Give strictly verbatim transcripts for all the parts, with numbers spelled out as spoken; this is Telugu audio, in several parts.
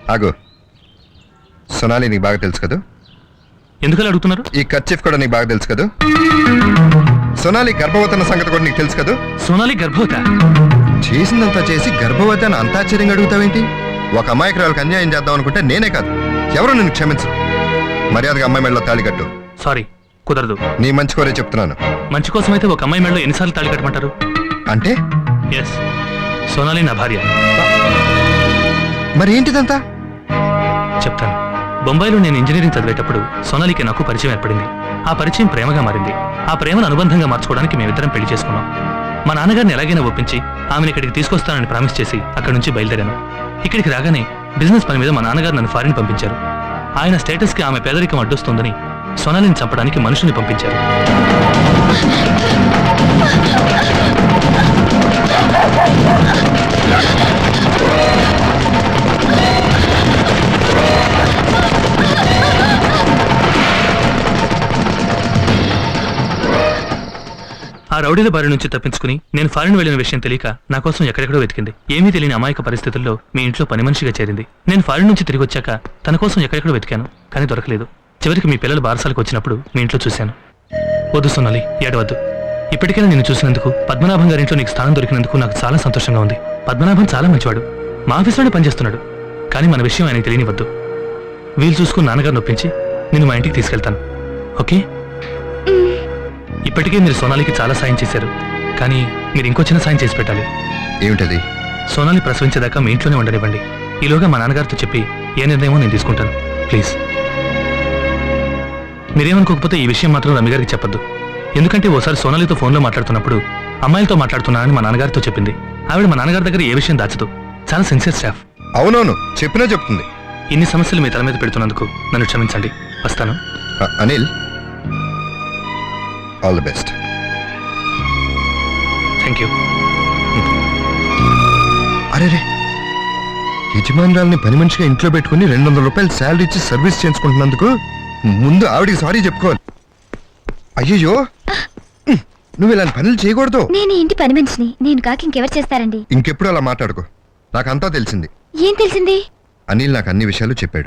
ఆగు. సొనాలి నీకు బాగా తెలుసు కదా? ఎందుకలా అడుగుతున్నారు? ఈ కర్చీఫ్ కూడా నీకు బాగా తెలుసు కదా? సొనాలి గర్భవతి అన్న సంగతి కూడా నీకు తెలుసు కదా? సోనాలి గర్భవత? చేసిందంతా చేసి గర్భవతి అని అంత ఆశ్చర్యంగా అడుగుతావేంటి? ఒక అమాయకురాలకు అన్యాయం చేద్దాం అనుకుంటే నేనే కాదు, ఎవరు నిన్ను క్షమించరు. మర్యాదగా అమ్మాయి మెడలో తాళి కట్టు. సారీ, కుదరదు. నీ మంచి కోరే చెప్తున్నాను. మంచి కోసం అయితే ఒక అమ్మాయి మెడలో ఎన్నిసార్లు తాళి కట్టమంటారు? అంటే ఎస్, సోనాలి నా భార్య. మరి ఏంటిదంతా? చెప్తాను. బొంబాయిలో నేను ఇంజనీరింగ్ చదివేటప్పుడు సోనాలికి నాకు పరిచయం ఏర్పడింది. ఆ పరిచయం ప్రేమగా మారింది. ఆ ప్రేమను అనుబంధంగా మార్చుకోవడానికి మేమిద్దరం పెళ్లి చేసుకున్నాం. మా నాన్నగారిని ఎలాగైనా ఒప్పించి ఆమెను ఇక్కడికి తీసుకొస్తానని ప్రామిస్ చేసి అక్కడి నుంచి బయలుదేరాను. ఇక్కడికి రాగానే బిజినెస్ పని మీద మా నాన్నగారు నన్ను ఫారిన్ పంపించారు. ఆయన స్టేటస్కి ఆమె పేదరికం అడ్డొస్తుందని సోనాలిని చంపడానికి మనుషుల్ని పంపించారు. ఆ రౌడీల బారి నుంచి తప్పించుకుని నేను ఫారిన్ వెళ్లిన విషయం తెలియక నా కోసం ఎక్కడెక్కడో వెతికింది. ఏమీ తెలియని అమాయక పరిస్థితుల్లో మీ ఇంట్లో పని మనిషిగా చేరింది. నేను ఫారిన్ నుంచి తిరిగి వచ్చాక తన కోసం ఎక్కడెక్కడో వెతికాను, కానీ దొరకలేదు. చివరికి మీ పిల్లలు బారసాలకు వచ్చినప్పుడు మీ ఇంట్లో చూశాను. వద్దు సోనాలి, ఏడవద్దు. ఇప్పటికైనా నేను చూసినందుకు, పద్మనాభం గారింట్లో నీకు స్థానం దొరికినందుకు నాకు చాలా సంతోషంగా ఉంది. పద్మనాభం చాలా మంచివాడు, మా ఆఫీస్లోనే పనిచేస్తున్నాడు. కానీ మన విషయం ఆయనకి తెలియనివద్దు. వీలు చూసుకుని నాన్నగారు నొప్పించి నిన్ను మా ఇంటికి తీసుకెళ్తాను, ఓకే? ఇప్పటికే మీరు సోనాలికి చాలా సాయం చేశారు, కానీ మీరు ఇంకో చిన్న సాయం చేసి పెట్టాలి. ఏమిటది? సోనాలి ప్రసవించేదాకా మీ ఇంట్లోనే ఉండనివ్వండి. ఈలోగా మా నాన్నగారితో చెప్పి ఏ నిర్ణయమో నేను తీసుకుంటాను, ప్లీజ్. మీరేమనుకోకపోతే ఈ విషయం మాత్రం రమ్య గారికి చెప్పొద్దు. ఎందుకంటే ఓసారి సోనాలితో ఫోన్లో మాట్లాడుతున్నప్పుడు అమ్మాయిలతో మాట్లాడుతున్నానని మా నాన్నగారితో చెప్పింది. ఆవిడ మా నాన్నగారి దగ్గర ఏ విషయం దాచదు, చాలా సిన్సియర్ స్టాఫ్. అవునవును, చెప్పినా చెప్తుంది. ఇన్ని సమస్యలు మీ తల మీద పెడుతున్నందుకు నన్ను క్షమించండి. వస్తాను. Anil, all the best. Thank you. అరే రే, యజమానురాల్ని పని మనిషిగా ఇంట్లో పెట్టుకుని రెండు వందల రూపాయలు శాలరీ ఇచ్చి సర్వీస్ చేయించుకుంటున్నందుకు ముందు ఆవిడికి సారీ చెప్పుకోవాలి. అయ్యయ్యో, నువ్వు ఇలాంటి పనులు చేయకూడదు. నేను ఇంటి పని మనిషిని, నేను కాక ఇంకెవరు చేస్తారండి? ఇంకెప్పుడు అలా మాట్లాడుకో. నాకంతా తెలిసింది. ఏం తెలిసింది? అనిల్ నాకు అన్ని విషయాలు చెప్పాడు.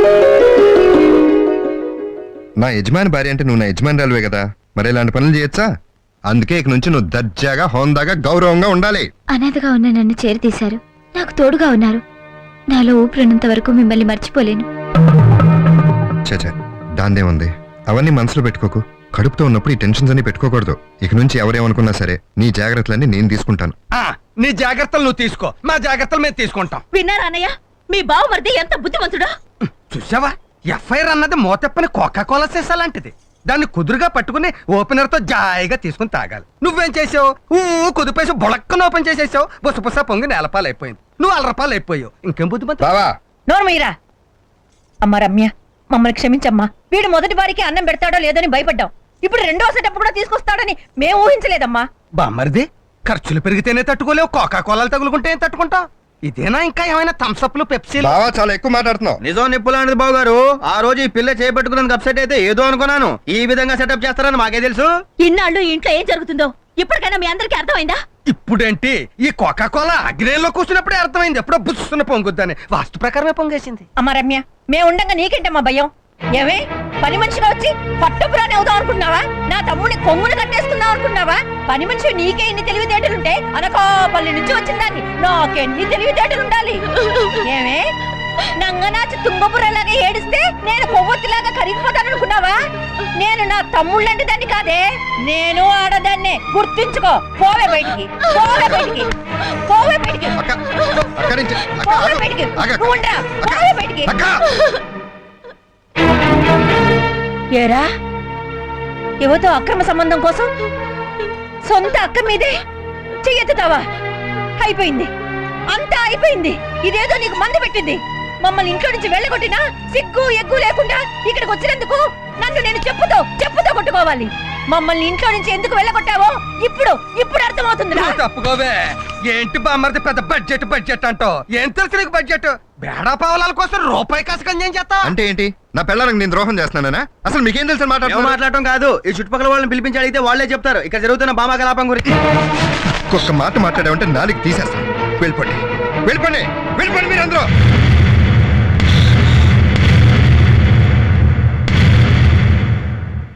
నా యజమాని భార్య అంటే నువ్వు నా యజమానురాలువే కదా, మరి ఇలాంటి పనులు చేయొచ్చా? అందుకే ఇక నుంచి నువ్వు దర్జాగా, హోందాగా, గౌరవంగా ఉండాలి. అనాథగా ఉన్న నన్ను చేరతీశారు, నాకు తోడుగా ఉన్నారు. నాలో ఊపిరినంత వరకు మిమ్మల్ని మర్చిపోలేను. చచా, దాందేముంది, అవన్నీ మనసులో పెట్టుకోకు. కడుపుతో ఉన్నప్పుడు ఈ టెన్షన్స్ అన్ని పెట్టుకోకూడదు. ఇక నుంచి ఎవరేమనుకున్నా సరే నీ జాగ్రత్తలన్నీ నేను తీసుకుంటాను. నీ జాగ్రత్తలు నువ్వు తీసుకో, మా జాగ్రత్తలు మేము తీసుకుంటాం. విన్నారా అన్నయ్య? మీ బావమరిది ఎంత బుద్ధిమంతుడా! చూసావా, ఎఫ్ఐఆర్ అన్నది మోతెప్పని కోకా కోలా సీసాలాంటిది. దాన్ని కుదురుగా పట్టుకుని ఓపెనర్ తో జాయిగా తీసుకుని తాగాలి. నువ్వేం చేసావు? ఊ కుదిపేసి బొళక్కన ఓపెన్ చేసేసావు. బుస బుస పొంగి నేలపాలు అయిపోయింది. నువ్వు అలరపాలు అయిపోయావు. ఇంకేం బుద్ధిమంతు. బావా, నోరు మీరా. అమ్మ రమ్య, మమ్మల్ని క్షమించమ్మా. వీడు మొదటి వారికి అన్నం పెడతాడో లేదని భయపడ్డాం. ఇప్పుడు రెండో సెటప్ కూడా తీసుకొస్తాడని మేము ఊహించలేదమ్మా. బామ్మరిది, ఖర్చులు పెరిగితేనే తట్టుకోలేవు, కోకా కోలాలు తగులుకుంటే ఏం తట్టుకుంటావు? ఇదేనా ఇంకా ఏమైనా థమ్స్అప్లు, పెప్సీలు? బావా చాలా ఎక్కువ మాట్లాడుతున్నావు. నిజం నిప్పులాంటిది బాబు గారు. ఆ రోజు ఈ పిల్ల చేపట్టుకున్నందుకు అప్సెట్ అయితే ఏదో అనుకున్నాను. ఈ విధంగా సెటప్ చేస్తారని మాకే తెలుసు. ఇన్నాళ్ళు ఇంట్లో ఏం జరుగుతుందో ఇప్పటికైనా మీ అందరికీ అర్థమైందా? ఇప్పుడేంటి, ఈ కోకా కోలా అగ్నేయంలో కూర్చున్నప్పుడే అర్థమైంది. ఎప్పుడో బుస్సున పొంగుద్దని వాస్తు ప్రకారమే పొంగేసింది. అమ్మ రమ్య, మేము ఉండగా నీకేంటమ్మా భయం? ఏమే పని మనిషిగా వచ్చి పట్టుపురాని అవుదాం అనుకున్నావా? నా తమ్ముడిని కొమ్ముని కట్టేసుకుందాం అనుకున్నావా? పని మనిషి నీకే ఇన్ని తెలివితేటలుంటే అనకాపల్లి నుంచి వచ్చిందాన్ని నాకెన్ని తెలివితేటలుండాలి? ఏమే నంగనాచి తుంగపురలాగా ఏడిస్తే నేను కొవ్వొత్తిలాగా కరిగిపోతాననుకున్నావా? నేను నా తమ్ముళ్ళంటి దాన్ని కాదే, నేను ఆడదాన్నే. గుర్తుంచుకో. పోవే బయటికి, పోవే బయటికి, పోవే బయటికి, పోవే బయటికి, ఉండరా, పోవే బయటికి. ఏరా, యువతో అక్రమ సంబంధం కోసం సొంత అక్క మీదే చెయ్యెత్తుతావా? అయిపోయింది, అంతా అయిపోయింది. ఇదేదో నీకు మందు పెట్టింది. మమ్మల్ని ఇంట్లో నుంచి వెళ్ళగొట్టినా సిగ్గు ఎగ్గు లేకుండా ఇక్కడికి వచ్చినందుకు నన్ను నేను చెప్పుతో చెప్పుతో కొట్టుకోవాలి. మమ్మల్ని ఇంట్లో నుంచి ఎందుకు వెళ్ళగొట్టావో ఇప్పుడు ఇప్పుడు అర్థమవుతుంది. తప్పుకోవే. ఏంటి బామ్మర్ది పెద్ద బడ్జెట్ బడ్జెట్ అంటో? ఏం తెలుసు నీకు బడ్జెట్? బేడా పావలాల కోసం రూపాయి కాసుకం ఏం చేస్తా అంటే ఏంటి? నా పిల్లలకు నేను ద్రోహం చేస్తున్నానా? అసలు మీకేం తెలుసు? మాట్లాడటం కాదు, ఈ చుట్టుపక్కల వాళ్ళని పిలిపించి అడిగితే వాళ్ళే చెప్తారు ఇక్కడ జరుగుతున్న బామా కలాపం గురించి. ఒక్క మాట మాట్లాడామంటే నాలుగు తీసేస్తాను. వెళ్ళిపోండి, వెళ్ళిపోండి, వెళ్ళిపోండి మీరు అందరూ.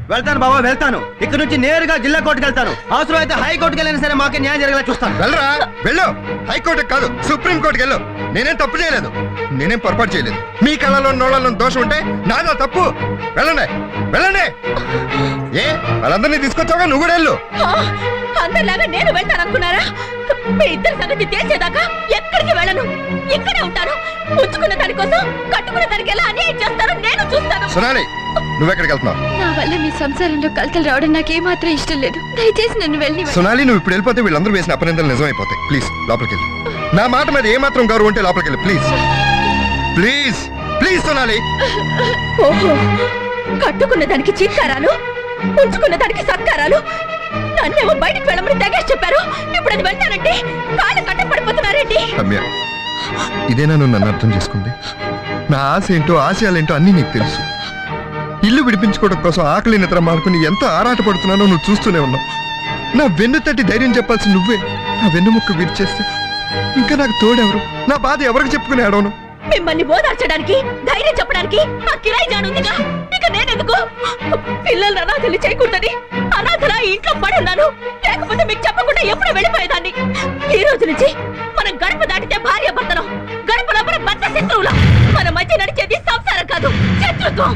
వెళ్తాను బాబా వెళ్తాను. ఇక్కడ నుంచి నేరుగా జిల్లా కోర్టుకి వెళ్తాను. అవసరం అయితే హైకోర్టుకి వెళ్ళినా సరే మాకే న్యాయం జరిగేలా చూస్తాను. వెళ్ళరా వెళ్ళు. హైకోర్టుకి కాదు సుప్రీం కోర్టుకి వెళ్ళు. నేనేం తప్పు చేయలేదు, నేనేం పొరపాటు చేయలేదు. మీ కళ్ళలో నోళ్ళలో దోషం ఉంటే నాదా తప్పు. వెళ్ళండి వెళ్ళండి. ఏ వాళ్ళందరినీ తీసుకొచ్చావుగా, నువ్వు కూడా వెళ్ళు. ఆ, అందరిలాగా నేను వెళ్తాను అనుకున్నారా? మీ ఇద్దరి సంగతి తేల్చేదాకా ఎక్కడికి వెళ్ళను, ఇక్కడే ఉంటాను. ఉంచుకున్న దానికోసం కట్టుకున్న దానికి ఎలా అన్యాయం చేస్తారో నేను చూస్తాను. సొనాలి, నువ్వెక్కడికి వెళ్తున్నావు? నా వల్ల మీ సంసారంలో కలతలు రావడం నాకేమాత్రం ఇష్టం లేదు. దయచేసి నన్ను వెళ్ళి సొనాలి, నువ్వు ఇప్పుడు వెళ్ళిపోతే వీళ్ళందరూ వేసిన అపనిందలు నిజమైపోతాయి. ప్లీజ్ లోపలికి వెళ్ళి. నా మాట మీద ఏమాత్రం గౌరవం ఉంటే లోపలికి వెళ్ళి. Please please please Sonali. ఓహో, కట్టుకున్న దానికి చీత్కారాలు, ఉంచుకున్న దానికి సత్కారాలు. నన్నేమో బయటకు వెళ్ళమని తెగేసి చెప్పారు. ఇప్పుడు అది వెళ్తానంటే కాళ్ళు కట్ట పడిపోతున్నారేంటి? రమ్య, ఇదేనా నువ్వు నన్ను అర్థం చేసుకుంది? నా ఆశ ఏంటో ఆశయాలేంటో అన్నీ నీకు తెలుసు. ఇల్లు విడిపించుకోవడం కోసం ఆకలి నిద్ర మానుకుని ఎంత ఆరాట పడుతున్నానో నువ్వు చూస్తూనే ఉన్నావు. నా వెన్ను తట్టి ధైర్యం చెప్పాల్సి నువ్వే నా వెన్నుముక్క విరిచేస్తే ఇంకా నాకు తోడెవరు? నా బాధ ఎవరికి చెప్పుకుని ఆడవను? మిమ్మల్ని ఓదార్చడానికి, ధైర్యం చెప్పడానికి ఆ కిరాయి జానుందిగా. ఇక నేనెందుకు? పిల్లలు అనాథలు చేయకూడదని అనాథలా ఇంట్లో పడున్నాను. లేకపోతే మీకు చెప్పకుండా ఎప్పుడు వెళ్ళిపోయేదాన్ని. ఈ రోజు నుంచి మనం గడప దాటితే భార్య భర్తలం, గడప లోపల భర్త శత్రువులం. మన మధ్య నడిచేది సంసారం కాదు, శత్రుత్వం.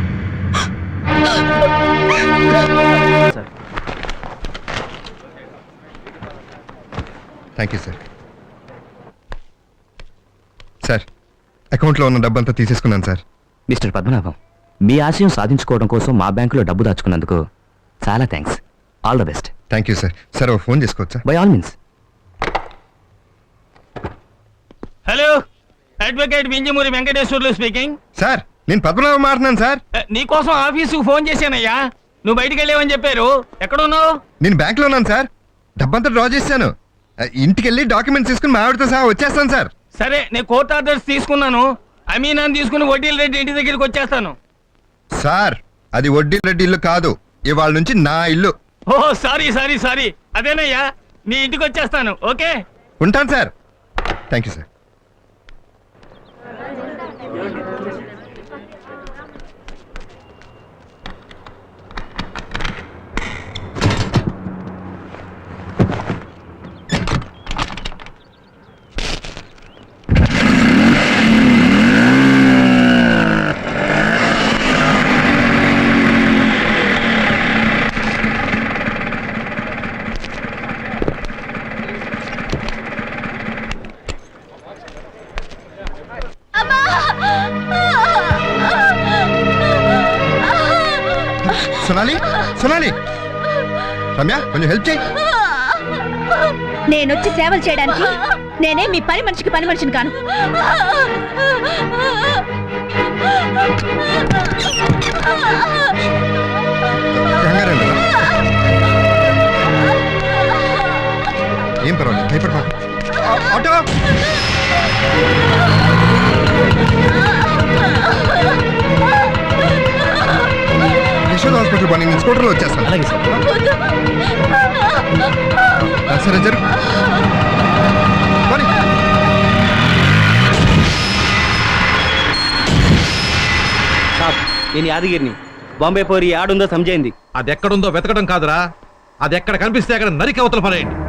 Thank you sir. సార్, అకౌంట్లో ఉన్న డబ్బంతా తీసేసుకున్నాను సార్. మిస్టర్ పద్మనాభం, మీ ఆశయం సాధించుకోవడం కోసం మా బ్యాంకులో డబ్బు దాచుకున్నందుకు చాలా thanks. All the best. Thank you sir. Sir ఓ ఫోన్ చేసుకోవచ్చా? By all means. Hello, advocate Vinjamuri Venkateswarlu speaking. Sir, నేను పద్మనాభం మాట్లాడుతున్నాను సార్. నీకోసం ఆఫీసుకు ఫోన్ చేశానయ్యా. నువ్వు బయటికి వెళ్ళావని చెప్పారు. ఎక్కడున్నావు? నేను బ్యాంక్లో ఉన్నాను సార్. డబ్బంతా డ్రా చేశాను. ఇంటికి వెళ్ళి డాక్యుమెంట్స్ తీసుకుని మా ఆవిడతో సహా వచ్చేస్తాను సార్. సరే, నేను కోర్ట్ ఆర్డర్స్ తీసుకున్నాను. అమీనాన్ని తీసుకుని వడ్డీల రెడ్డి ఇంటి దగ్గరికి వచ్చేస్తాను. సార్, అది వడ్డీ రెడ్డి ఇల్లు కాదు, ఇవాళ నుంచి నా ఇల్లు. ఓ సారీ సారీ సారీ అదేనయ్యా, నీ ఇంటికి వచ్చేస్తాను. ఓకే, ఉంటాను sir. Thank you sir. Sonali, Sonali, Ramya కొంచెం హెల్ప్ చేయి. నేనొచ్చి సేవలు చేయడానికి నేనే మీ పని మనిషికి పని మనిషిని కాను. కంగారు లేదు. ఏం పర్వాలేదు, భయపడమా. ఆటో యశోద హాస్పిటల్ పని నేను స్కూటర్లో వచ్చేస్తాను. అలాగే సార్. సరే జరుగు. సాబ్, నేను యాదగిరిని. బాంబే పోరి ఆడుందో సమజైంది. అది ఎక్కడుందో వెతకడం కాదురా, అది ఎక్కడ కనిపిస్తే అక్కడ నరికి అవతల పడేయండి.